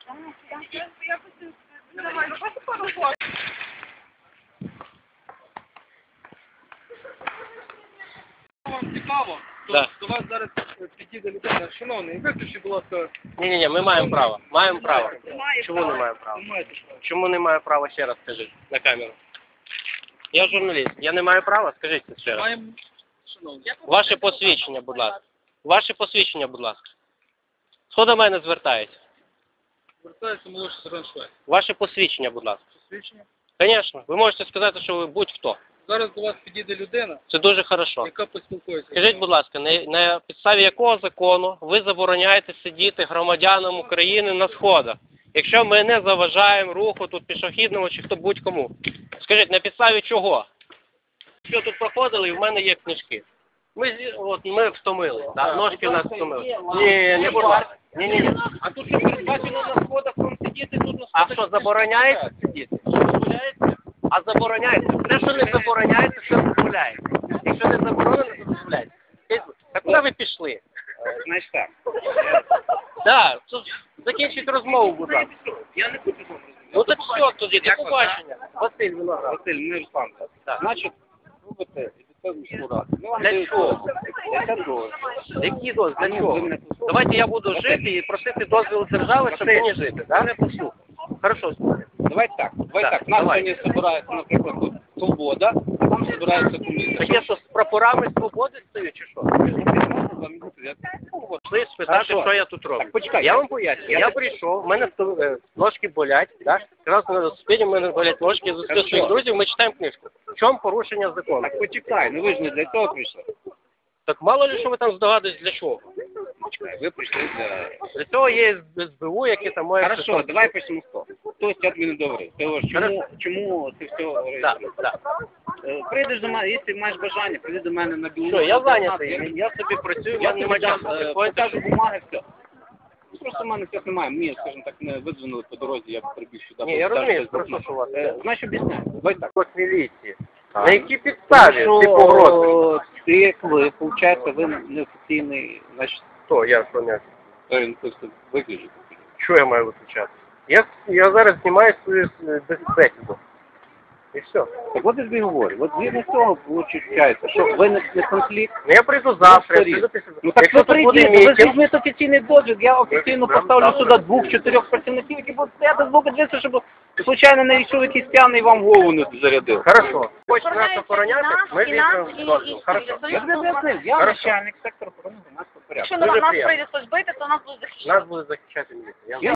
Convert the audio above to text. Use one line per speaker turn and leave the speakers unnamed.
Вам цікаво, то до вас зараз підійде людина. Шановний, виключіть, будь ласка.
Ні, ми маємо право. Маємо право. Чому не маємо права? Чому не маю права, ще раз скажіть на камеру? Я журналіст. Я не маю права? Скажіть це ще раз.
Маємо, шановний.
Ваше посвідчення, будь ласка. Ваше посвідчення, будь ласка. Хто до мене звертається?
Звертається молодший сержант Швець.
Ваше посвідчення, будь ласка.
Посвідчення.
Звісно. Ви можете сказати, що ви будь-хто.
Зараз до вас підійде людина,
Це дуже хорошо.
яка поспілкується.
Скажіть, будь ласка, на підставі якого закону ви забороняєте сидіти громадянам України на сходах? Якщо ми не заважаємо руху тут пішохідному чи хто будь-кому. Скажіть, на підставі чого? Що тут проходили, і в мене є книжки. Ми втомилися, да? Ножки в нас втомили. Ні, не будь ласка. Ні.
А тут що передбачено на сходах, вам сидіти тут на сходах?
А що, забороняється сидіти? Дозволяється? А забороняється. Те, що не забороняється, це дозволяється. Якщо не заборонено, то дозволяється. Так куди ви пішли?
Значить так.
Так, закінчіть розмову, будь ласка.
Я не хочу з вами розмовляти.
Ну так все, тоді, до побачення. Василь Виноград.
Василь, не Руслан.
Так.
Значить, робите відповідну раду.
Для чого? Який дозвіл? Для чого? Давайте я буду жити і просити дозвіл держави, щоб мені жити. Да? Не послухай. Хорошо, слухай.
Давайте так.
Так,
Нас
давай.
сьогодні збирається, наприклад, тут Свобода, а там збирається комісія.
Так я що, з прапорами свободи стою, чи що? Пішли спитати, що я тут роблю.
Так, почекай.
Я вам поясню. Я прийшов, в мене ножки болять, да? Якраз на велосипеді в мене болять ножки, я зустрів своїх друзів, ми читаємо книжку. В чому порушення закону?
Так почекай, ну ви ж не для цього прийшли.
Так мало ли, що ви там здогадуєтесь, для чого?
Почекай, ви прийшли для...
Для цього є СБУ, яке там має...
Хорошо, давай почнемо з того. Хтось я тобі не говорив. Ти говориш, чому ти все говориш?
Так.
Прийдеш до мене, якщо маєш бажання, прийди до мене на білу.
Що, я зайнятий, я собі працюю, в
Я
мене немає часу.
покажу бумаги, все. Просто в мене цього немає. Мені, скажімо так, не видзвонили по дорозі, я б прибіг сюди.
Ні, я розумію, просто що у вас.
Знаєш, об'ясняю. Давай так.
Ось міліції. На якій підставі ти погрозуєш?
Ти, як ви, виходить, ви неофіційний, значить,
Хто? Я поняв.
він просто виключить.
Що я маю виключати? Я зараз знімаю свою бесіду. І все.
Так от я тобі говорю, от згідно цього виходить, що виникне конфлікт.
Ну я прийду завтра, я прийду після...
Ну так
Якщо
ви
тут буде
прийдіть, ви
мітинг,
візьмете офіційний дозвіл, я офіційно поставлю сюди 2-4 працівників, які будуть стояти з боку дверця, щоб случайно не йшов якийсь п'яний і вам голову не зарядив.
Хорошо. Хочеш нас охороняти? Ми візьмемо дозвіл. Хорошо.
Я тобі об'яснив, я начальник сектору охорони громадського порядку.
Якщо на нас прийде хтось бити, то нас будуть захищати.
Нас буде захищати міліція.